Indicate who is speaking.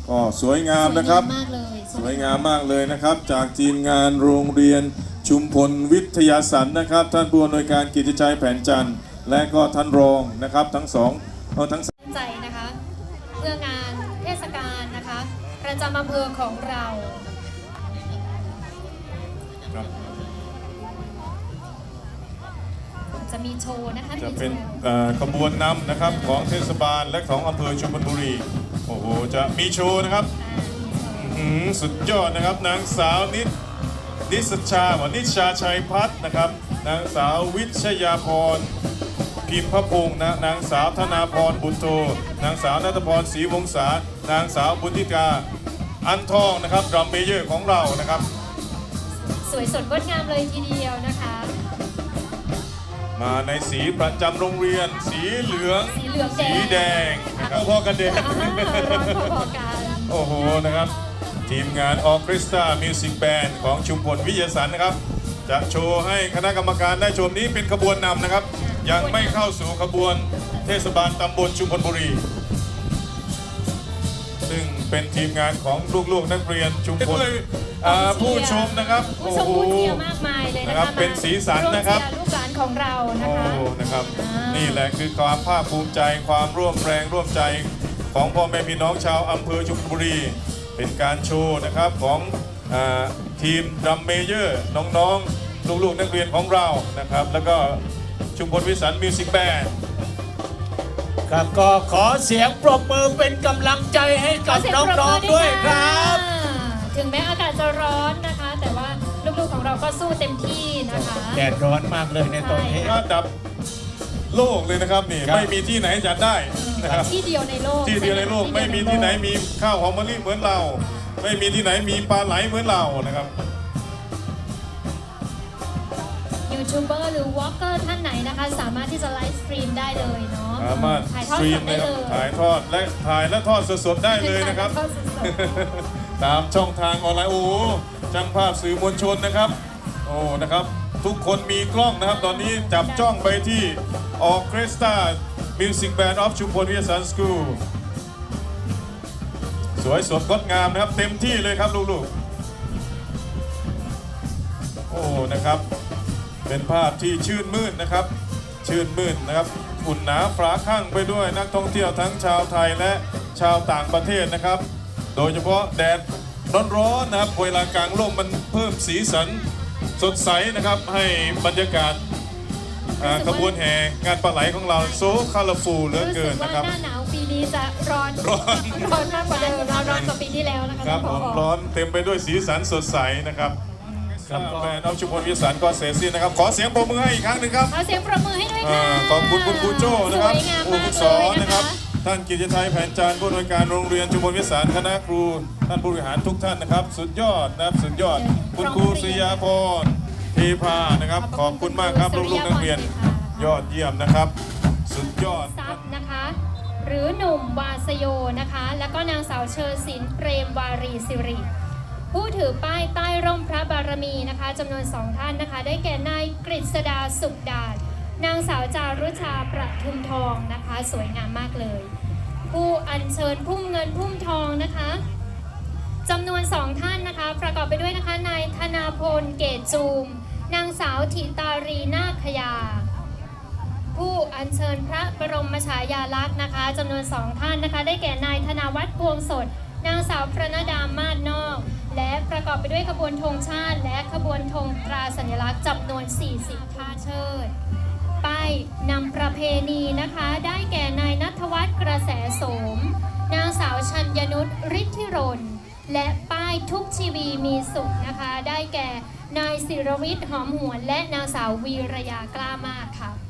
Speaker 1: ก็สวยงามนะครับสวยงามมากเลยนะครับจากทีมงานโรงเรียนชุมพลวิทยาสันนะครับท่านผู้อำนวยการกิติชัยแผนจันทร์และก็ท่านรองนะครับทั้งสองทั้ง
Speaker 2: ใจนะคะเพื่องานเทศกาลนะคะประจำอำเภอของเราจะมีโชว์นะคะ
Speaker 1: จะเป็นขบวนนำนะครับของเทศบาลและของอำเภอชุมพลบุรีโอ้โหจะมีโชว์นะครับสุดยอดนะครับนางสาวนิชชาชัยพัฒน์นะครับนางสาววิชยาพรพิมพพงศ์นางสาวธนาพรบุญโตนางสาวนัทพรศรีวงศานางสาวบุญธิกาอันทองนะครับดรัมเมเยอร์ของเรานะครับ
Speaker 2: สวยสดงดงามเลยทีเดียวนะคะ
Speaker 1: มาในสีประจำโรงเรียนสีเหลืองสีแดงนะครับพอกันเด็กโอ้โหนะครับทีมงานออร์เคสตรามิวสิกแบนด์ของชุมพลวิทยาสันนะครับจะโชว์ให้คณะกรรมการได้ชมนี้เป็นขบวนนำนะครับยังไม่เข้าสู่ขบวนเทศบาลตำบลชุมพลบุรีซึ่งเป็นทีมงานของลูกๆนักเรียนชุมพลผู้ชมนะครับ
Speaker 2: โอ้โหมากมายเลยนะครับ
Speaker 1: เป็นสีสันนะครับ
Speaker 2: ลูกหลานของเรา
Speaker 1: นะครับนี่แหละคือความภาคภูมิใจความร่วมแรงร่วมใจของพ่อแม่พี่น้องชาวอำเภอชุมพลบุรีเป็นการโชว์นะครับของทีมดรัมเมเยอร์น้องๆลูกๆนักเรียนของเรานะครับแล้วก็ชุมพลวิสันมิวสิกแบนด์
Speaker 3: ครับก็ขอเสียงปรบมือเป็นกำลังใจให้กับน้องๆด้วยครับ
Speaker 2: ถึงแม้อากาศจะร้อนนะคะแต่ว่าลูกๆของเราก็สู้เต็มที่นะคะ
Speaker 3: แดดร้อนมากเลยในตอนนี้
Speaker 1: ระดับโลกเลยนะครับนี่ไม่มีที่ไหนจัดได้นะครับ
Speaker 2: ที่เดียวในโลก
Speaker 1: ไม่มีที่ไหนมีข้าวหอมมะลิเหมือนเราไม่มีที่ไหนมีปลาไหลเหมือนเรานะครับ
Speaker 2: ยูทูบเบอร์หรือวอล์กเกอร์ท่านไหนนะคะสามารถที่จะไลฟ์สตรีมได้เลยเนาะ
Speaker 1: สามารถ
Speaker 2: ถ่ายทอดสดได้เลย
Speaker 1: ถ่ายทอดและทอดสดๆได้เลยนะครับตามช่องทางออนไลน์โอ้ช่างภาพสื่อมวลชนนะครับโอ้นะครับทุกคนมีกล้องนะครับตอนนี้จับจ้องไปที่ออร์เคสตรามิวสิกแบนด์ออฟชุมพลวิทยาสันสคูลสวยสดงดงามนะครับเต็มที่เลยครับลูกๆโอ้นะครับเป็นภาพที่ชื่นมื่นนะครับชื่นมื่นนะครับอุ่นหนาฝาข้างไปด้วยนักท่องเที่ยวทั้งชาวไทยและชาวต่างประเทศนะครับโดยเฉพาะแดดร้อนๆนะครับเวลากลางร่มมันเพิ่มสีสันสดใสนะครับให้บรรยากาศขบวนแห่งานปลาไหลของเราโซคาราฟูเหลือเกินนะครับ
Speaker 2: หน้าหนาวปีนี้จะร้อนมากกว่าเดิมร้อนกว่าปีที่แล้วนะคะ
Speaker 1: ครับร้อนเต็มไปด้วยสีสันสดใสนะครับแฟนเอาชุมพลวิทยาสันก็เสร็จสิ้นนะครับขอเสียงปรบมือให้อีกครั้งหนึ่งครับ
Speaker 2: ขอเสียงปรบมือให้ด้วยค่ะ
Speaker 1: ขอบคุณคุณครูโจ้นะครับผู้ฝึกสอนนะครับท่านกิติชัยแผนจันทร์ผู้อำนวยการโรงเรียนชุมพลวิทยาสันคณะครูท่านผู้บริหารทุกท่านนะครับสุดยอดนะครับสุดยอดคุณครูศรียาพรเทพานะครับขอบคุณมากครับลูกๆนักเรียนยอดเยี่ยมนะครับสุดยอด
Speaker 2: นะคะหรือหนุ่มวาสโยนะคะแล้วก็นางสาวเชอศิลป์เปรมวารีสิริผู้ถือป้ายใต้ร่มพระบารมีนะคะจำนวน2ท่านนะคะได้แก่นายกฤษดาสุขดานางสาวจารุชาประทุมทองนะคะสวยงามมากเลยผู้อัญเชิญพุ่มเงินพุ่มทองนะคะจำนวน2ท่านนะคะประกอบไปด้วยนะคะนายธนาพลเกตจูมนางสาวธิตารีนาคยาผู้อัญเชิญพระบรมฉายาลักษณ์นะคะจำนวน2ท่านนะคะได้แก่นายธนาวัฒน์พวงสดนางสาวพระนดามาศนอกและประกอบไปด้วยขบวนธงชาติและขบวนธงตราสัญลักษณ์จำนวน40ท่าเชิดป้ายนำประเพณีนะคะได้แก่นายณัฐวัฒน์กระแสโสมนางสาวชัญญนุชฤทธิรนและป้ายทุกชีวีมีสุขนะคะได้แก่นายศิรวิทย์หอมหวนและนางสาววีรยากล้ามากค่ะ